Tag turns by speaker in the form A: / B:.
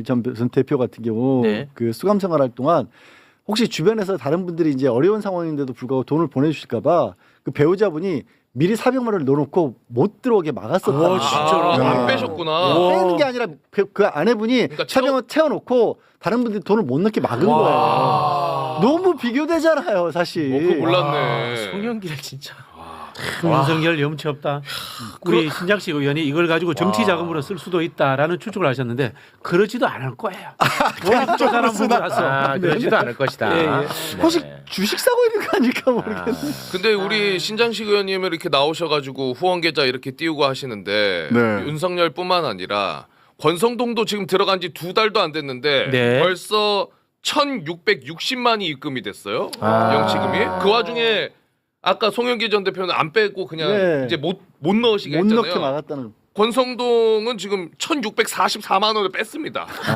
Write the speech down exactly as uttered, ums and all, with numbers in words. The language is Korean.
A: 전, 전 대표 같은 경우
B: 네.
A: 그 수감 생활할 동안 혹시 주변에서 다른 분들이 이제 어려운 상황인데도 불구하고 돈을 보내주실까봐 그 배우자분이 미리 사백만 원을 넣어놓고 못 들어오게 막았었다.
B: 오, 진짜로?
C: 아,
A: 네.
C: 안 빼셨구나.
B: 오.
A: 빼는 게 아니라 그, 그 아내분이
C: 그러니까
A: 사백만 원 채워놓고 다른 분들이 돈을 못 넣게 막은 거예요. 너무 비교되잖아요, 사실.
C: 어, 그거 몰랐네.
B: 아, 송영길 진짜.
D: 윤석열 염치 없다. 우리 신장식 의원이 이걸 가지고 정치 자금으로 쓸 수도 있다라는 추측을 하셨는데 그러지도 않을 거예요. 워낙 저 사람 보고라서.
B: 아, 그러지도 않을 것이다.
D: 예, 예.
B: 네.
A: 혹시 주식 사고 있는 거 아닐까 모르겠네.
C: 근데 우리 신장식 의원님 이렇게 나오셔가지고 후원 계좌 이렇게 띄우고 하시는데
A: 네.
C: 윤석열뿐만 아니라 권성동도 지금 들어간 지 두 달도 안 됐는데
B: 네.
C: 벌써 천육백육십만이 입금이 됐어요.
B: 아.
C: 영치금이. 그 와중에 아까 송영길 전 대표는 안 빼고 그냥
A: 네.
C: 이제 못 못 넣으시게
A: 못
C: 했잖아요.
A: 넣게 막았다는.
C: 권성동은 지금 천육백사십사만 원을 뺐습니다.